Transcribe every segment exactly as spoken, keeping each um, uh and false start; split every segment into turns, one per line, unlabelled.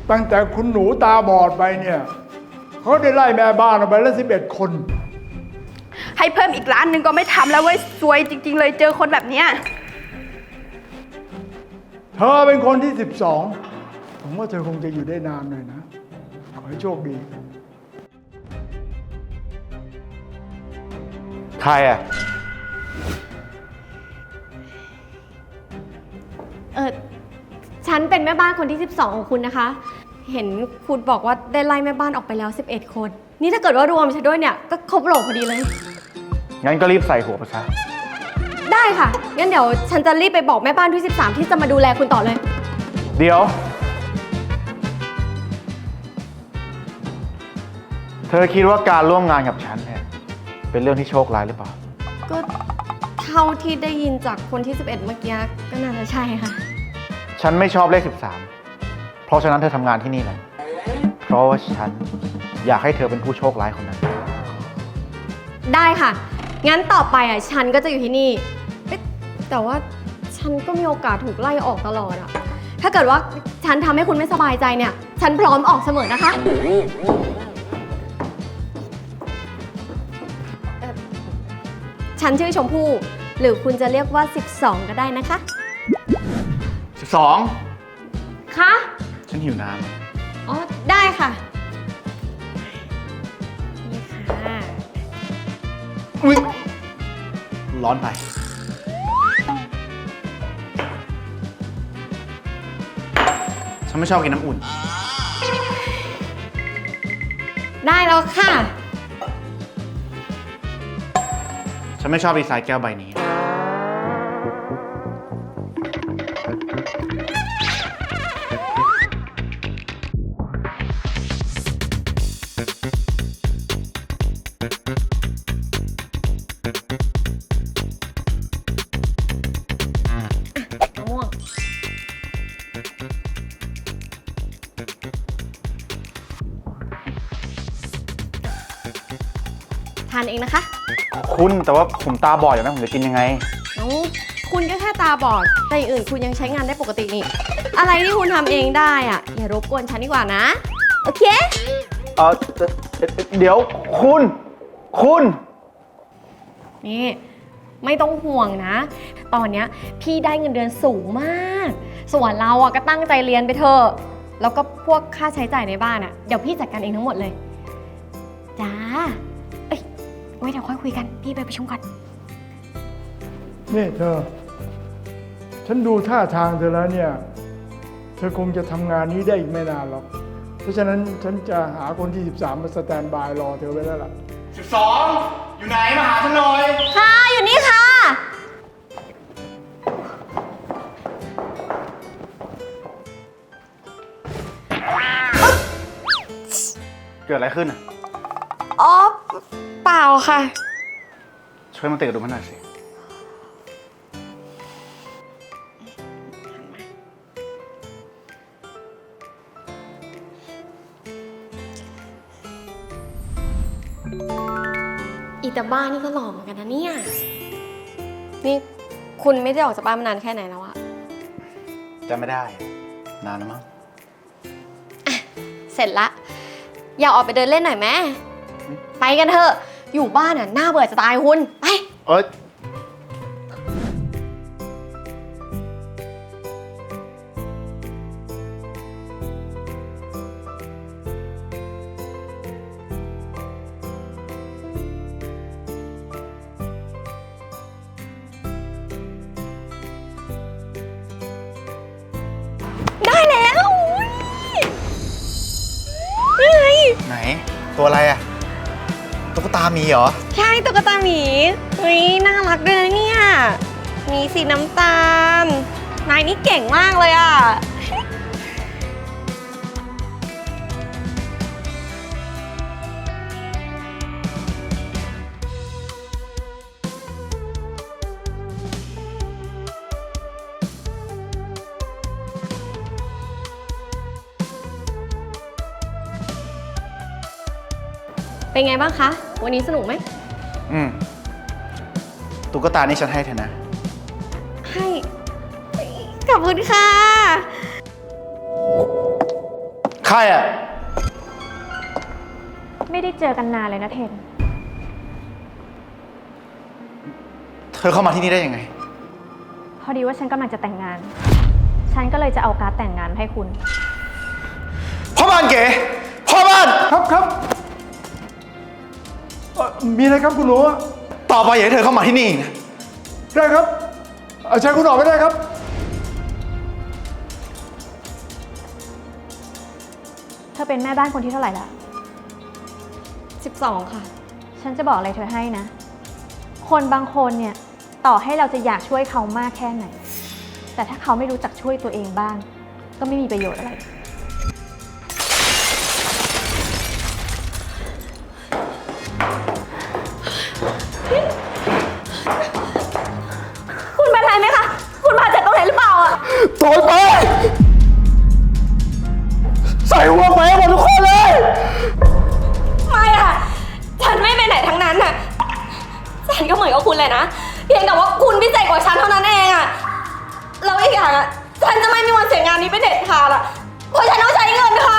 ตั้งแต่คุณหนูตาบอดไปเนี่ยเขาได้ไล่แม่บ้านออกไปแล้วสิบเอ็ดคน
ให้เพิ่มอีกร้านหนึ่งก็ไม่ทำแล้วเว้ยซวยจริงๆเลยเจอคนแบบเนี้ย
เธอเป็นคนที่สิบสองผมว่าเธอคงจะอยู่ได้นานหน่อยนะขอให้โชคดี
ใครอ่ะ
เออฉันเป็นแม่บ้านคนที่สิบสองของคุณนะคะเห็นคุณบอกว่าได้ไล่แม่บ้านออกไปแล้วสิบเอ็ดคนนี่ถ้าเกิดว่ารวมฉันด้วยเนี่ยก็ครบโหลพอดีเลย
งั้นก็รีบใส่หัวไปซะ
ได้ค่ะงั้นเดี๋ยวฉันจะรีบไปบอกแม่บ้านที่สิบสามที่จะมาดูแลคุณต่อเลย
เดี๋ยวเธอคิดว่าการร่วมงานกับฉันเนี่ยเป็นเรื่องที่โชคร้ายหรือเปล่า
ก็เท่าที่ได้ยินจากคนที่สิบเอ็ดเมื่อกี้ก็น่าจะใช่ค่ะ
ฉันไม่ชอบเลขสิบสามเพราะฉะนั้นเธอทำงานที่นี่แหละเพราะว่าฉันอยากให้เธอเป็นผู้โชคร้ายคนนั้น
ได้ค่ะงั้นต่อไปอ่ะฉันก็จะอยู่ที่นี่แต่ว่าฉันก็มีโอกาสถูกไล่ออกตลอดอ่ะถ้าเกิดว่าฉันทำให้คุณไม่สบายใจเนี่ยฉันพร้อมออกเสมอนะคะฉันชื่อชมพู่หรือคุณจะเรียกว่าสิบสองก็ได้นะคะ
สิบสอง
คะ
ฉันหิวน้ำ
อ๋อได้ค่ะนี่ค่ะ
อุ๊ยร้อนไปฉันไม่ชอบกินน้ำอุ่น
ได้แล้วค่ะ
ฉันไม่ชอบดีไซน์แก้วใบนี้
ทานเองนะคะ
คุณแต่ว่าผมตาบอดอยู่นะผมจะกินยังไง
น้องคุณก็แค่ตาบอดแต่อย่างอื่นคุณยังใช้งานได้ปกตินี่อะไรที่คุณทำเองได้อ่ะอย่ารบกวนฉันดีกว่านะโอเค
เออเดี๋ยวคุณคุณ
นี่ไม่ต้องห่วงนะตอนเนี้ยพี่ได้เงินเดือนสูงมากส่วนเราอ่ะก็ตั้งใจเรียนไปเถอะแล้วก็พวกค่าใช้จ่ายในบ้านอ่ะเดี๋ยวพี่จัดการเองทั้งหมดเลยจ้าเอ้ยไว้เดี๋ยวค่อยคุยกันพี่ไปประชุมก่อน
นี่เธอฉันดูท่าทางเธอแล้วเนี่ยเธอคงจะทำงานนี้ได้อีกไม่นานหรอกเพราะฉะนั้นฉันจะหาคนที่สิบสามมาสแตนบายรอเธอไว้แล้วล่ะ
สิบสองอยู่ไหนมาหาฉันหน่อย
ค่ะอยู่นี่ค่ะ
เกิดอะไรขึ้นอ่ะ
อ๋อเปล่าค่ะ
ช่วยมาเตะดูมันหน่อยสิ
อีตาบ้านนี่ก็หล่อเหมือนกันนะเนี่ยนี่คุณไม่ได้ออกจากบ้านมานานแค่ไหนแล้วอะ
จำไม่ได้นานแล้วมั้ง
อ่ะเสร็จละอยากออกไปเดินเล่นหน่อยไหมไปกันเถอะอยู่บ้านอ่ะน่าเบื่อจะตายคุณไป
เอ้ย
ได้แล้วนี่ไง
ไหนตัวอะไรอะตุ๊กตาหมีเหรอ
ใช่ตุ๊กตาหมีเฮ้ยน่ารักด้วยนะเนี่ยมีสีน้ำตาลนายนี่เก่งมากเลยอ่ะเป็นไงบ้างคะวันนี้สนุกไหม
อืมตุ๊กตานี่ฉันให้เธอนะ
ให้ขอบคุณค่ะ
ใครอ่ะ
ไม่ได้เจอกันนานเลยนะเทน
เธอเข้ามาที่นี่ได้ยังไง
พอดีว่าฉันกำลังจะแต่งงาน ฉันก็เลยจะเอาการ์ดแต่งงานมาให้คุณ
พ่อบ้านเก๋ พ่อบ้าน
ครับครับเอ่อมีอะไรครับคุณหนู
ต่อไปอย่าให้เธอเข้ามาที่นี่นะ
ได้ครับเอาใช้คุณออกไม่ได้ครับ
เธอเป็นแม่บ้านคนที่เท่าไหร่ละสิบสองค่ะ ฉันจะบอกอะไรเธอให้นะ คนบางคนเนี่ยต่อให้เราจะอยากช่วยเขามากแค่ไหน แต่ถ้าเขาไม่รู้จักช่วยตัวเองบ้าง ก็ไม่มีประโยชน์อะไร คุณเป็นไรไหมคะ คุณบาดเจ็บตรงไหนหรือเปล่าอะ
โถอยไป ใส่หัวไปให้หมดทุกคนเลย
ไม่อะฉันไม่ไปไหนทั้งนั้นอะฉันก็เหมือนกับคุณเลยนะ เพียงแต่ว่าคุณพิเศษกว่าฉันเท่านั้นเองอะแล้วอีกอย่างอะฉันจะไม่มีวันเสียงานนี้ไปเด็ดขาดอะเพราะฉันต้องใช้เงินค่ะ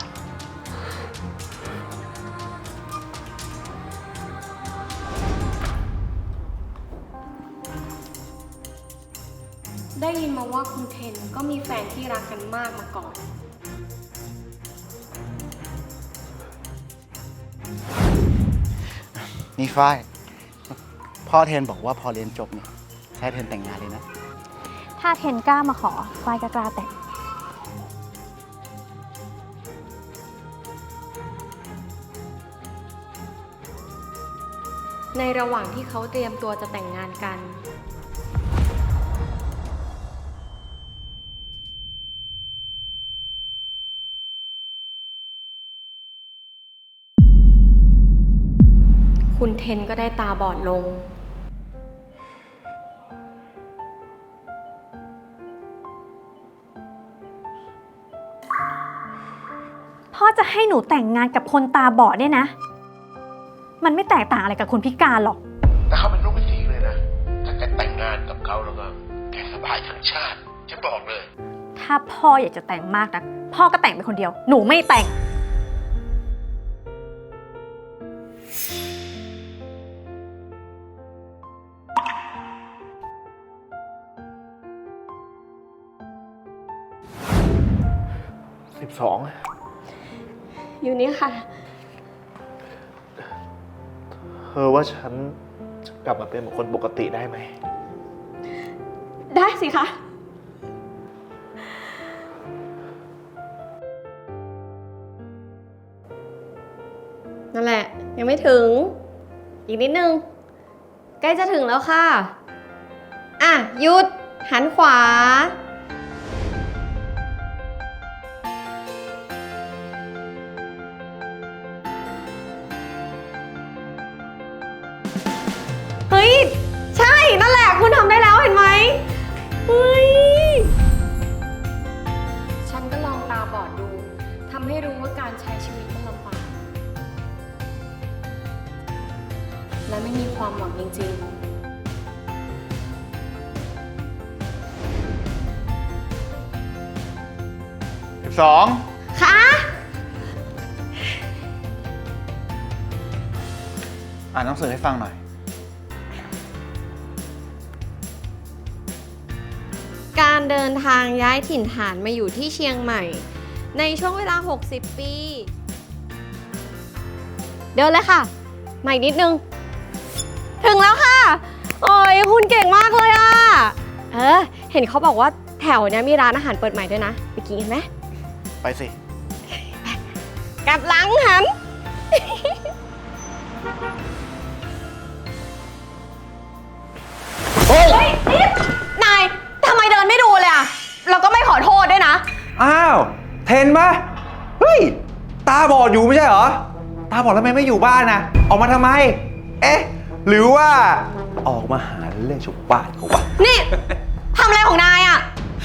ได้ยินมาว่าคุณเทนก็มีแฟนที่รักกันมากมาก่อน
นี่ฝ้าย พ่อเทนบอกว่าพอเรียนจบเนี่ยใช้เทนแต่งงานเลยนะ
ถ้าเทนกล้ามาขอฝ้ายก็กล้าแต่ง
ในระหว่างที่เขาเตรียมตัวจะแต่งงานกัน คุณเทนก็ได้ตาบอดลง
พ่อจะให้หนูแต่งงานกับคนตาบอดเนี่ยนะ มันไม่แตกต่างอะไรกับคนพิการหรอก
แต่เขาเป็นลูกเป็นสีเลยนะ ถ้าแกแต่งงานกับเขาแล้วก็แกสบายทั้งชาติ ฉันบอกเลย
ถ้าพ่ออยากจะแต่งมากนะพ่อก็แต่งเป็นคนเดียว หนูไม่แต่ง
สิบสอง
อยู่นี่ค่ะ
เธอว่าฉันจะกลับมาเป็นเหมือนคนปกติได้ไหม
ได้สิคะ นั่นแหละ ยังไม่ถึง อีกนิดนึง ใกล้จะถึงแล้วค่ะ อ่ะ หยุด หันขวา เฮ้ย ใช่ นั่นแหละ คุณทำได้แล้วเห็นไหมเฮ้ย ฉันก็ลองตาบอดดู ทำให้รู้ว่าการใช้ชีวิตมันลำบาก และไม่มีความหวังจริงๆ
สิบสอง
ค่ะ
อ่านหนังสือให้ฟังหน่อย
การเดินทางย้ายถิ่นฐานมาอยู่ที่เชียงใหม่ ในช่วงเวลา หกสิบ ปี เดินเลยค่ะมาอีกนิดนึง ถึงแล้วค่ะ โอ้ยคุณเก่งมากเลยอ่ะ เออ เห็นเขาบอกว่าแถวเนี้ยมีร้านอาหารเปิดใหม่ด้วยนะ ไปกินกันไหม
ไปสิ
กลับหลังหัน
เฮ้ย
นายทำไมเดินไม่ดูเลยอ่ะ แล้วก็ไม่ขอโทษด้วยนะ
อ้าว เทนปะเฮ้ย ตาบอดอยู่ไม่ใช่เหรอ ตาบอดแล้วทำไมไม่อยู่บ้านนะออกมาทำไม เอ๊ะ หรือว่า ออกมาหาเรื่องชาวบ้านเขาวะ
นี่ ทำอะไรของนายอ่ะ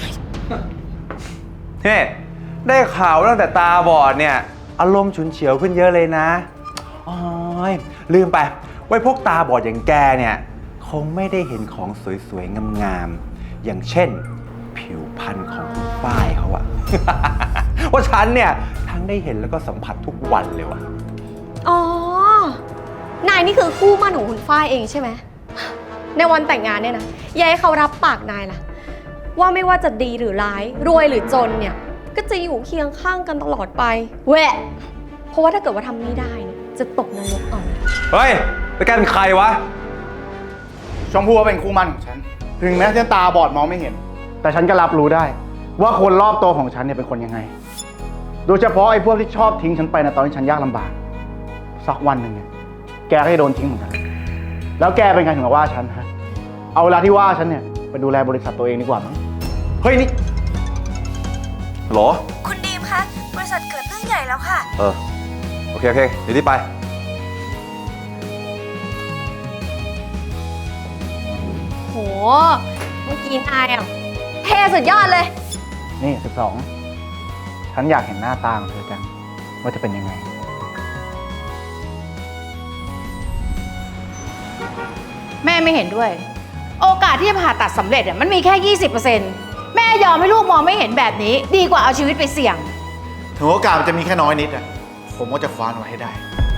เฮ้ได้ข่าวตั้งแต่ตาบอดเนี่ย อารมณ์ฉุนเฉียวขึ้นเยอะเลยนะโอ้ยลืมไป ไว้พวกตาบอดอย่างแกเนี่ย คงไม่ได้เห็นของสวยๆ งามๆ อย่างเช่น ผิวพรรณของคุณฝ้ายเขาอะ ว่าฉันเนี่ยททั้งได้เห็นแล้วก็สัมผัสทุกวันเลยว่ะ
อ๋อ นายนี่คือคู่หมั่นของคุณฝ้ายเองใช่ไหม ในวันแต่งงานเนี่ยนะอยายให้เขารับปากนายล่ะ ว่าไม่ว่าจะดีหรือร้าย รวยหรือจนเนี่ย ก็จะอยู่เคียงข้างกันตลอดไปแหวะเพราะว่าถ้าเกิดว่าทำไม่ได้เนี่ยจะตกนรกเอานะ
เฮ้ยไปกันใครวะ
ชมพู่เป็นคู่หมั่นของฉัน ถึงแม้ฉันตาบอดมองไม่เห็น แต่ฉันก็รับรู้ได้ ว่าคนรอบตัวของฉันเนี่ยเป็นคนยังไง โดยเฉพาะไอ้พวกที่ชอบทิ้งฉันไปในะตอนที่ฉันยากลำบาก สักวันหนึ่งเนี่ยแกก็จะโดนทิ้งเหมือนกัน แล้วแกเป็นไงถึงมาว่าฉันฮะ เอาเวลาที่ว่าฉันเนี่ยไปดูแลบริษัทตัวเองดีกว่ามั้ง
เฮ้ยนี่หรอ
คุณดีมคะ บริษัทเกิดเรื่องใหญ่แล้วค่ะ
เออ โอเค โอเค เดี๋ยวรีบไป
โห เมื่อกี้นายอ่ะเท่สุดยอดเลย
นี่สิบสอง ฉันอยากเห็นหน้าตาของเธอจังว่าจะเป็นยังไง
แม่ไม่เห็นด้วย โอกาสที่จะผ่าตัดสำเร็จอะมันมีแค่ ยี่สิบเปอร์เซ็นต์ แม่ยอมให้ลูกมองไม่เห็นแบบนี้ ดีกว่าเอาชีวิตไปเสี่ยง
ถึงโอกาสมันจะมีแค่น้อยนิดอะผมก็จะคว้ามันไว้ให้ได้